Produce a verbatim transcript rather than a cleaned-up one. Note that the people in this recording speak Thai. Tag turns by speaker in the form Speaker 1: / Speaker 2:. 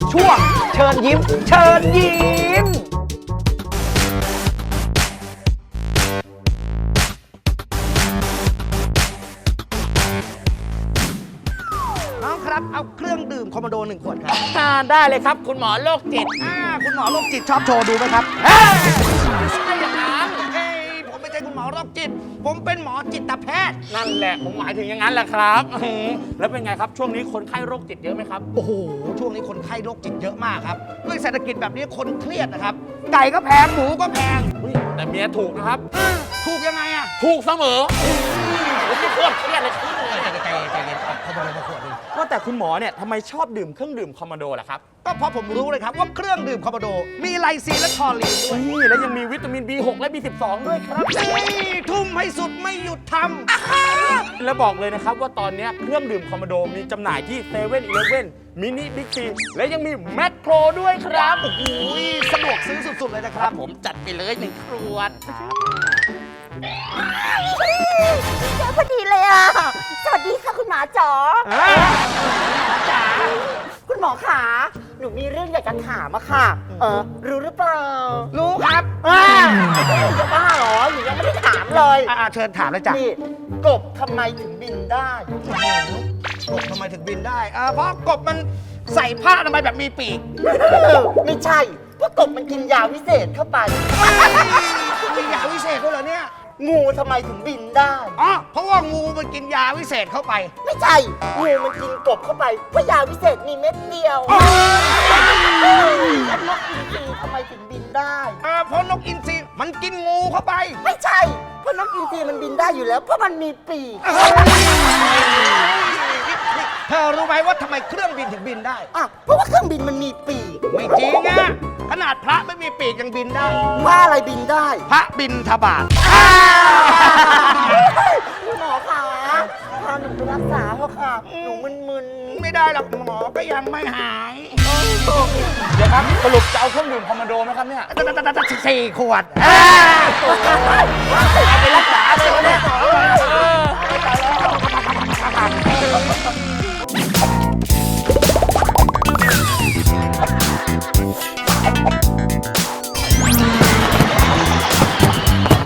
Speaker 1: ช่วงเชิญยิ้มเชิญยิ้มน้องครับเอาเครื่องดื่มคอมโมโดหนึ่งขวดครับ
Speaker 2: ได้เลยครับคุณหมอโรคจิต
Speaker 1: อ่าคุณหมอโรคจิตชอบโชว์ดูไหมครับ
Speaker 2: ไม่ใช่อย่างนั้น
Speaker 1: เฮ้ยผมไม่ใช่คุณหมอโรคจิต ผมเป็นหมอจิตแพทย์
Speaker 2: นั่นแหละผมหมายถึงอย่างนั้นแหละครับอื้อหือแล้วเป็นไงครับช่วงนี้คนไข้โรคจิตเยอะไหมครับ
Speaker 1: โอ้โหช่วงนี้คนไข้โรคจิตเยอะมากครับด้วยเศรษฐกิจแบบนี้คนเครียดนะครับไก่ก็แพงหมูก็แพง
Speaker 2: อุ๊ยแต่เมียถูกนะครับ
Speaker 1: ถูกยังไงอะ
Speaker 2: ถูกเสมอผมไม่โคตรเครียดเลยครับ
Speaker 1: ใจใจใจเย็นเขาบอกเลยมาขวดนึง
Speaker 2: ว่าแต่คุณหมอเนี่ยทำไมชอบดื่มเครื่องดื่มคอมมาโดล่ะครับ
Speaker 1: ก็เพราะผมรู้เลยครับว่าเครื่องดื่มคอมโบโดมีไลซีนและทอรีนด้วย
Speaker 2: นี่แล้วยังมีวิตามิน บี หก และ บี สิบสอง ด้วยครับ
Speaker 1: นี่ทุ่มให้สุดไม่หยุดท
Speaker 2: แล้วบอกเลยนะครับว่าตอนนี้เครื่องดื่มคอมมาโดมีจำหน่ายที่เซเว่นอีเลฟเว่นมินิบิ๊กซีและยังมีแมคโครด้วยครับ
Speaker 1: ำอุ้ยสะดวกซื้อสุดๆเลยนะค
Speaker 2: ค
Speaker 1: รั
Speaker 2: รั
Speaker 1: บบ
Speaker 2: ผมจัดไปเลยหนึ่งขวด
Speaker 3: เจอพอดีเลยอ่ะ สวัสดีค่ะคุณหมอจ๋อจ๋าคุณหมอขาหนูมีเรื่องอยากจะถามอะค่ะ เออ รู้หรือเปล่า
Speaker 1: รู้ครับ
Speaker 3: อ่าจะบ้าเหรอหนูยังไม่ได้ถามเลย
Speaker 1: อ่าเชิญถามเลยจ้ะ
Speaker 3: นี่กบทำไมถึงบินได้
Speaker 1: กบทำไมถึงบินได้อ่าเพราะกบมันใส่ผ้าทำไมยแบบมีปีก
Speaker 3: ไม่ใช่เพราะกบมันกินยาวิเศษเข้าไป
Speaker 1: มียาวิเศษด้วยเหรอเนี่ย
Speaker 3: งูทำไมถึงบินได้
Speaker 1: อ๋อเพราะว่างูมันกินยาวิเศษเข้าไป
Speaker 3: ไม่ใช่ งูมันกินกบเข้าไปเพราะยาวิเศษมีเม็ดเดียวแล้วนกอินทรีทำไมถึงบินได้
Speaker 1: อ่าเพราะนกอินทรีมันกินงูเข้าไป
Speaker 3: ไม่ใช่ เพราะนกอินทรีมันบินได้อยู่แล้ว เพราะมันมีปีก
Speaker 1: เธอรู้ไหมว่าทำไมเครื่องบินถึงบินได้
Speaker 3: อ่ะเพราะว่าเครื่องบินมันมีปีก
Speaker 1: ไม่จริงอะขนาดพระไม่มีปีกยังบินได้
Speaker 3: ว่าอะไรบินได้
Speaker 1: พระบินทบาท
Speaker 3: คุณหมอคะพาหนูไปรักษาเถอะค่ะ หนูมึน
Speaker 1: ไม่ได้หรอกหมอก็ยังไม่หาย
Speaker 2: เดี๋ยวครับสรุปจะเอาเครื่องดื่มคอมมาโดไหมครับเนี่ย
Speaker 1: สี่ขวด
Speaker 2: เอาไปรักษาเลยวันนี้
Speaker 1: หมอ